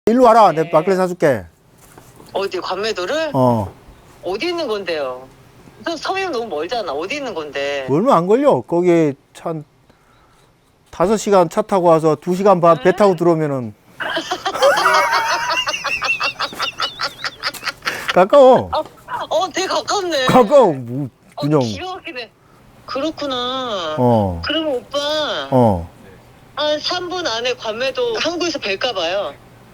일로 와라. 내 막걸리 사줄게. 어디 관매도를? 어디 있는 건데요? 서면 너무 멀잖아. 어디 있는 건데? 얼마 안 걸려. 거기 한 5시간 차 타고 와서 2시간 반 배 타고 들어오면은 가까워. 되게 가깝네. 가까워. 뭐 그냥. 기가 막히네. 그렇구나. 어. 그러면 오빠 한 3분 안에 관매도 항구에서 뵐까 봐요.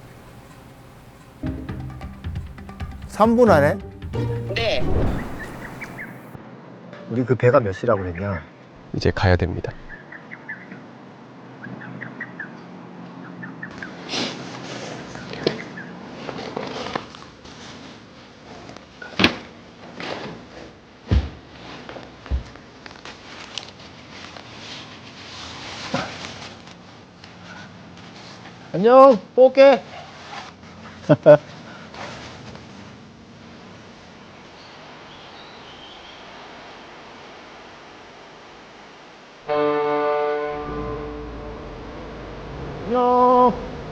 3분 안에? 네. 우리 그 배가 몇 시라고 그랬냐? 이제 가야 됩니다. 안녕. 또 올게. 안녕.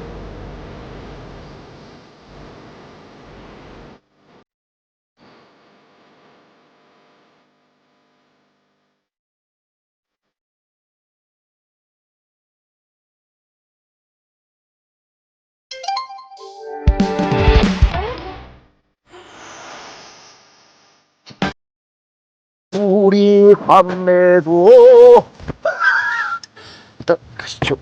우리 관매도 일단 가시죠.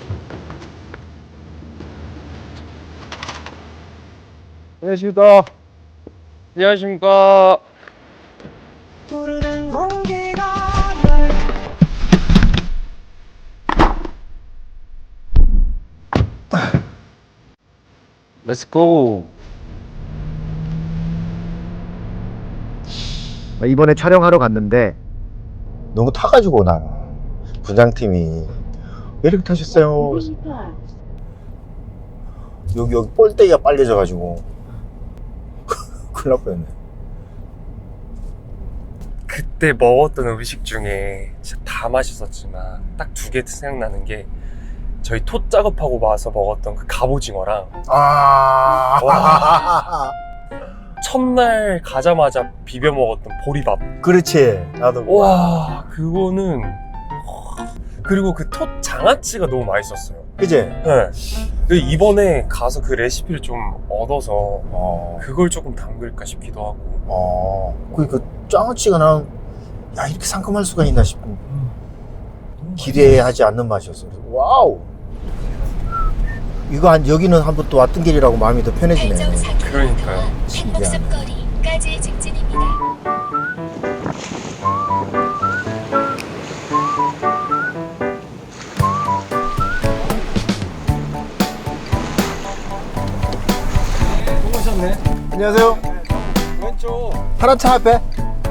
안녕하십니까. 안녕하십니까. 부르는 공기가 날 렛츠고. 이번에 촬영하러 갔는데 너무 타가지고 나 부장팀이 왜 이렇게 타셨어요? 여기 볼때기가 빨개져가지고 큰일 날 뻔했네. 그때 먹었던 음식 중에 진짜 다 맛있었지만 딱 2개 생각나는 게 저희 톳 작업하고 와서 먹었던 그 갑오징어랑 와. 첫날 가자마자 비벼 먹었던 보리밥. 그렇지. 나도. 와, 그거는. 그리고 그 톳 장아찌가 너무 맛있었어요. 그지? 네. 이번에 가서 그 레시피를 좀 얻어서 그걸 조금 담글까 싶기도 하고. 그 장아찌가 나는 야 이렇게 상큼할 수가 있나 싶은 기대하지 않는 맛이었어요. 와우. 이거 여기는 한번 또 왔던 길이라고 마음이 더 편해지네. 그러니까요. 행복섬거리까지 직진입니다. 안녕하세요. 왼쪽. 파란 차 앞에.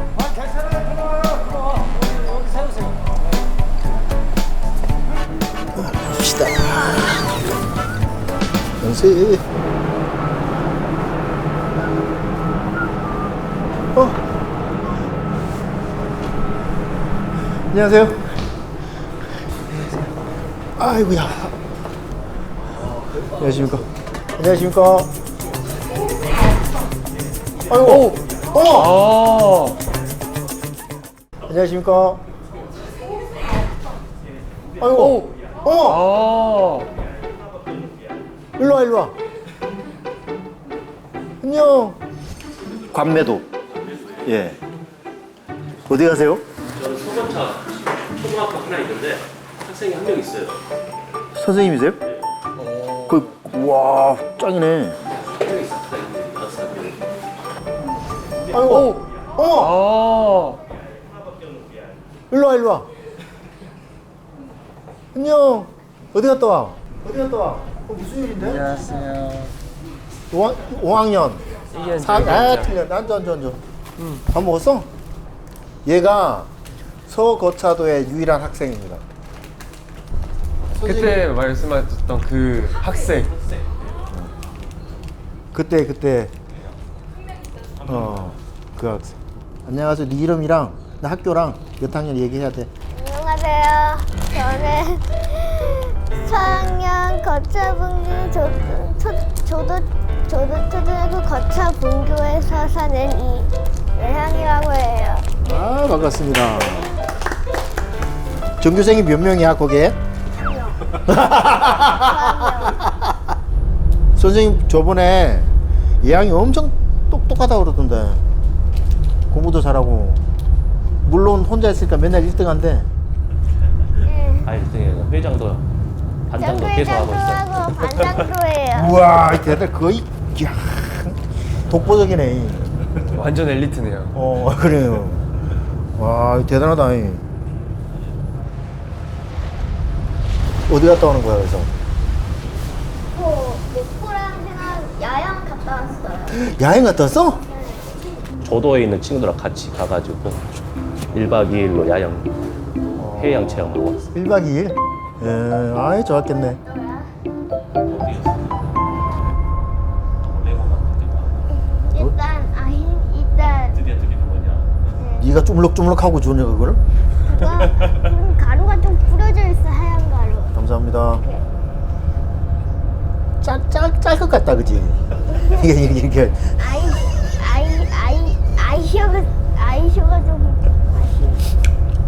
갑시다. 연세. 안녕하세요. 아이고야. 안녕하십니까. 안녕하십니까. 아이고. 안녕하십니까. 아이고. 일로 와, 일로 와. 안녕. 관매도. 예. 어디 가세요? 저는 소방차 초등학교 하나 있는데 학생이 한 명 있어요. 선생님이세요? 와, 짱이네. 한 명 있습니다. 6살. 아이고. 일로 와, 일로 와. 안녕. 어디 갔다 와? 어디 갔다 와? 무슨 일인데? 안녕하세요. 5학년. 틀려. 앉아. 밥 먹었어? 얘가 서거차도의 유일한 학생입니다. 그때 말씀하셨던 그 학생. 그때 그 학생. 안녕하세요. 네 이름이랑 나 학교랑 몇 학년 얘기해야 돼. 안녕하세요. 저는 4학년 거차분기 저도 초등학교 거쳐 분교에서 사는 이예향이라고 해요. 아, 반갑습니다. 전교생이 몇 명이야, 거기에? 선생님, 저번에 예향이 엄청 똑똑하다고 그러던데. 공부도 잘하고. 물론 혼자 있으니까 맨날 1등 한대. 아 1등이에요. 회장도 반장도 계속 하고 있어요. 하고 반장도 해요. 우와, 이 대들 거의, 야, 독보적이네. 완전 엘리트네요. 그래요. 와, 대단하다. 이. 어디 갔다 오는 거야, 그래서? 목포랑 생각 야영 갔다 왔어요. 야행 갔다 왔어? 조도에 있는 친구들랑 같이 가가지고 1박 2일로 야영 해양 체험하고 왔어요. 1박 2일? 예, 아이, 좋았겠네. 일단 드디어 드리는 거냐? 네가 쭈물럭쭈물럭하고 주냐, 그거를? 그거 가루가 좀 뿌려져 있어, 하얀 가루. 감사합니다. 짤 것 같다, 그지? 이게. 아이쇼가 좀 맛이.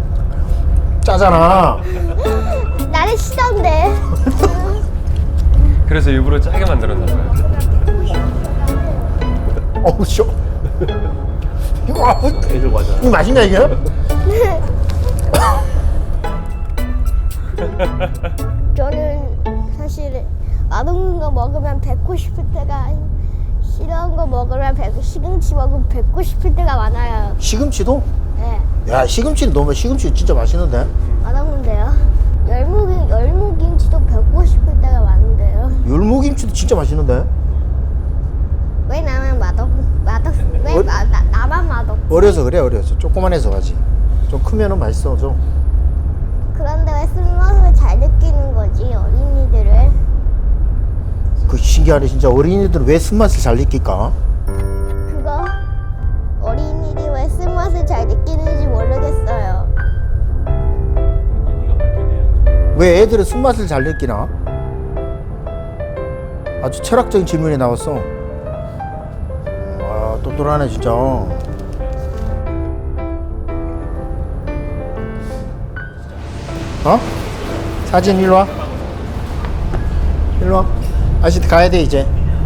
짜잖아. 나는 싫던데. 그래서 일부러 짜게 만들었나 봐요. 어우, 쇼. 애들 과자. 이거 맛있냐, 이게? 저는 사실 맛없는 거 먹으면 뱉고 싶을 때가 싫은 거 먹으면 시금치 먹으면 뱉고 싶을 때가 많아요. 시금치도? 네, 야, 시금치는 너무 시금치 진짜 맛있는데? 맛없는데요. 열무김치도 뱉고 싶을 때가 많은데요. 열무김치도 진짜 맛있는데? 왜 나만 나만 맛없? 어려서 그래, 어려서. 조그만해서 가지. 좀 크면은 맛있어, 좀. 그런데 왜 쓴맛을 잘 느끼는 거지 어린이들은? 그 신기하네, 진짜. 어린이들은 왜 쓴맛을 잘 느낄까? 그거 어린이들이 왜 쓴맛을 잘 느끼는지 모르겠어요. 네가 밝혀내야지. 왜 애들은 쓴맛을 잘 느끼나? 아주 철학적인 질문이 나왔어. 와, 똑똑하네, 진짜. 사진 일로 와. 일로 와. 아저씨 가야 돼, 이제.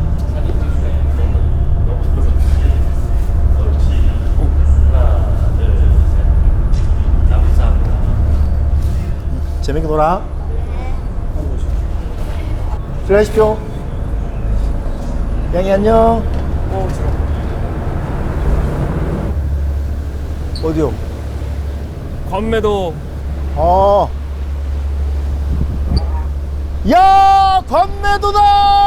재밌게 놀아. 들어가십시오. 양이 안녕. 어디요? 관매도 야, 관매도다!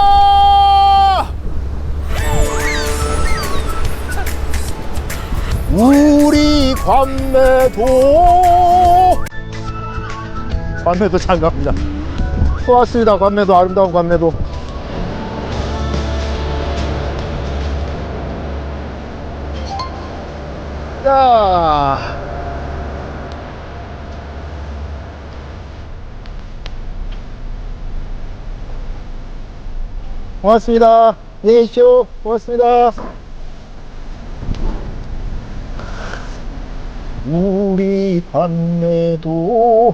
우리 관매도. 관매도 잘 갑니다. 좋았습니다. 관매도, 아름다운 관매도. 자. 고맙습니다. 안녕히 계십시오. 고맙습니다. 우리 관매도.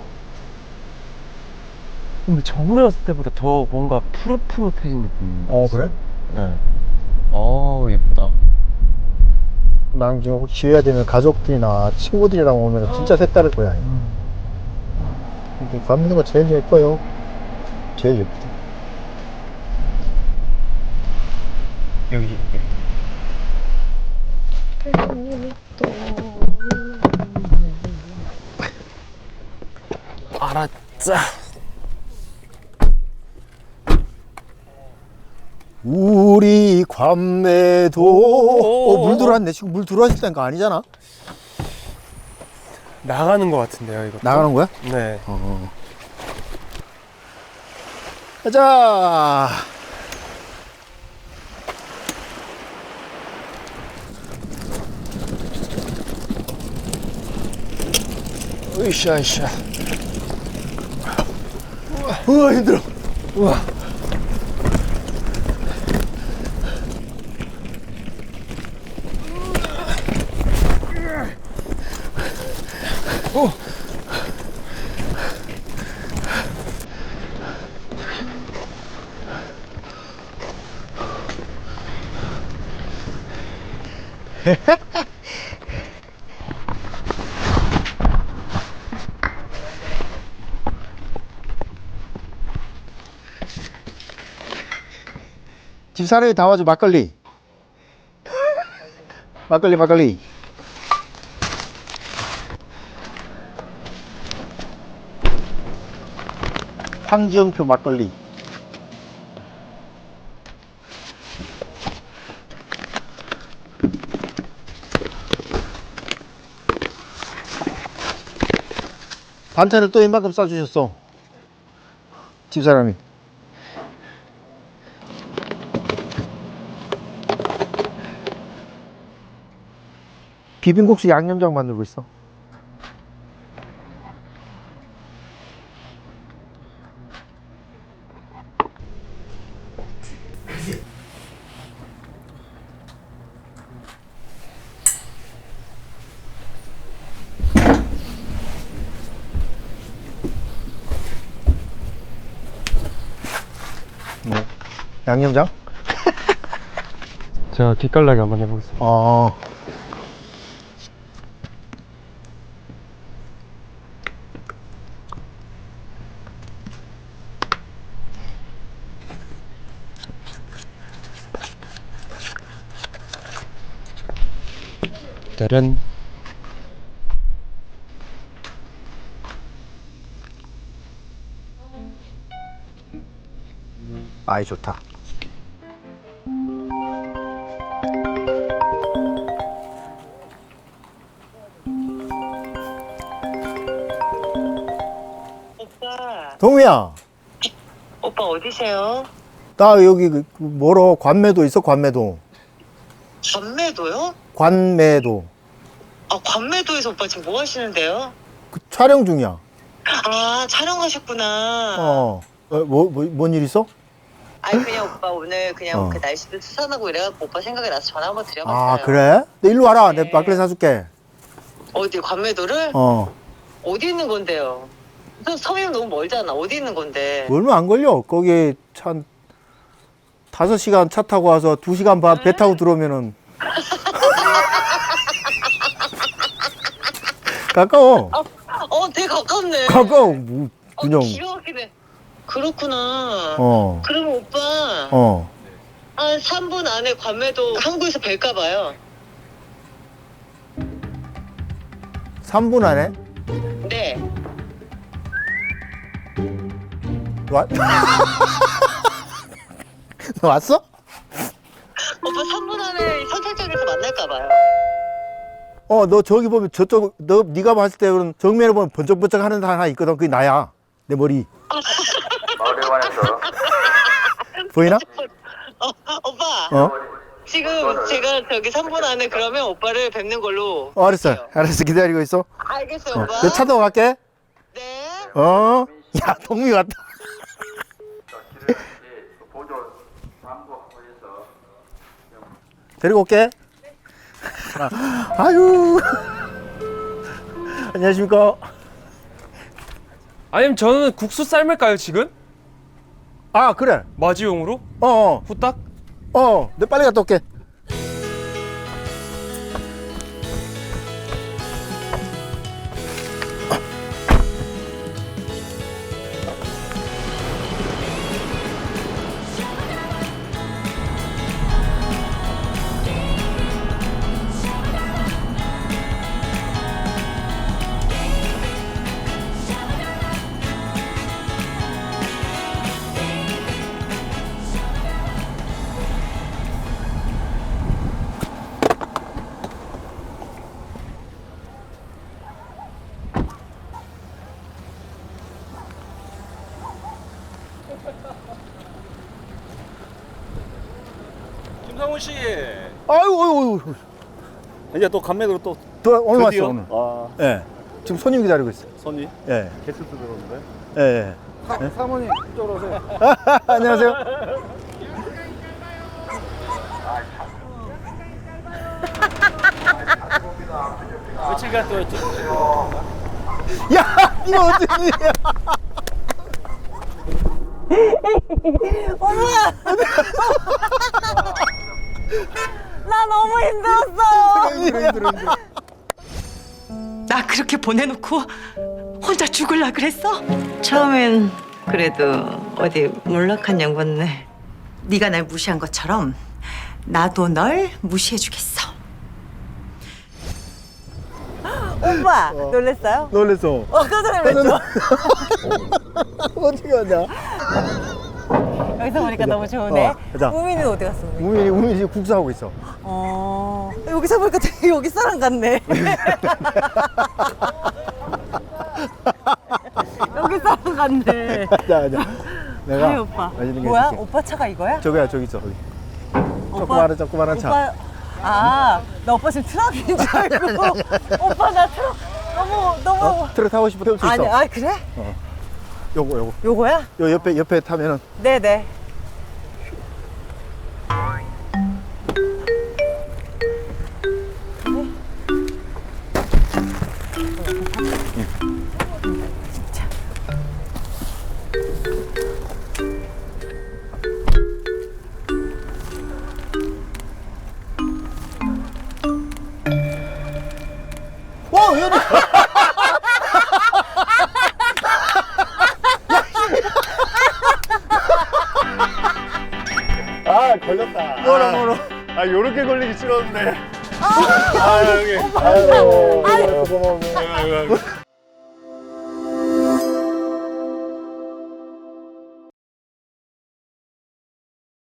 근데 저번에 왔을 때보다 더 뭔가 푸릇푸릇해진 느낌. 그래? 네. 예쁘다. 나는 지금 혹시 기회가 되면 가족들이나 친구들이랑 오면 진짜 색다를 거야. 이게 관매도가 제일 예뻐요. 제일 예쁘다. 여기. 알았자. 우리 관매도. 물 들어왔네. 지금 물 들어왔을 거 아니잖아. 나가는 것 같은데요, 이거. 나가는 거야? 네. 가자. 으쌰, 으쌰. 우와, 힘들어. 우와. 집사람이 다 와줘. 막걸리. 막걸리. 황지영표 막걸리. 반찬을 또 이만큼 싸주셨어. 집사람이. 비빔국수 양념장 만들고 있어. 뭐, 양념장? 제가 기깔나게 한번 해보겠습니다. 짜란. 아이 좋다. 오빠, 동우야, 오빠 어디세요? 나 여기 뭐로 관매도 있어. 관매도. 관매도요? 아, 관매도에서 오빠 지금 뭐 하시는데요? 그 촬영 중이야. 아, 촬영하셨구나. 뭔 일 있어? 아니, 그냥 오빠 오늘 그냥 어. 그 날씨도 수산하고 이래갖고 오빠 생각이 나서 전화 한번 드려봤어요. 아 그래? 너 일로 와라. 네. 내가 막걸리 사줄게. 어디, 관매도를? 어디 있는 건데요? 섬이 너무 멀잖아. 어디 있는 건데? 얼마 안 걸려. 거기 한 5시간 차 타고 와서 2시간 반 배 타고 들어오면은 가까워. 되게 가깝네. 가까워. 뭐, 그냥. 기가 막히네. 그렇구나. 어. 그러면 오빠 어. 한 3분 안에 관매도 한국에서 뵐까 봐요. 3분 안에? 네. 와... 너 왔어? 오빠 3분 안에 선착장에서 만날까 봐요. 너 저기 보면 저쪽 네가 봤을 때 그런 정면에 보면 번쩍번쩍 하는 데 하나 있거든. 그게 나야. 내 머리. 보이나? 오빠. 지금 제가 저기 3분 안에 그러면 오빠를 뵙는 걸로. 알았어. 할게요. 알았어. 기다리고 있어. 알겠어요, 오빠. 내 차 타고 갈게. 네. 야, 동미 왔다. 데리고 올게. 아유. 안녕하십니까. 아니면 저는 국수 삶을까요 지금? 아, 그래. 마지용으로? 후딱? 내 빨리 갔다 올게. 김상훈 씨, 아유. 이제 또 감매도로 또 오늘 드디어? 왔어, 오늘. 예. 지금 손님 기다리고 있어. 손님 예. 게스트 들어오는데. 예. 사모님 이쪽으로 오세요. 안녕하세요. 며칠간 또 야, 이거 어쩐 일이야? 나 너무 힘들었어. 들었는데. 나 그렇게 보내놓고 혼자 죽을라 그랬어? 처음엔 그래도 어디 몰락한 양반네. 네가 날 무시한 것처럼 나도 널 무시해주겠어. 오빠 놀랬어요? 놀랬어. 깜짝 놀랐죠? 어떻게 하냐? 여기서 보니까 너무 좋으네. 자. 우민이는 어디 갔어? 우민이? 우민이 지금 국수하고 있어. 여기서 보니까 되게 여기 사람 같네. 여기 사람 같네. 자. 내가 아이 오빠. 맛있는 게 뭐야? 있을게. 오빠 차가 이거야? 저거야 저기 있어. 거기. 오빠- 조그마한 차. 오빠, 나 오빠 지금 트럭인 줄 알고. 오빠 나 트럭 너무. 트럭 타고 싶어 태울 수 있어. 아니, 그래? 요거. 요거야? 요 옆에 타면은 네네. 현이. 아 걸렸다. 뭐라. 아 요렇게 걸리기 싫었는데. 아, 형님. 아유, 고마워.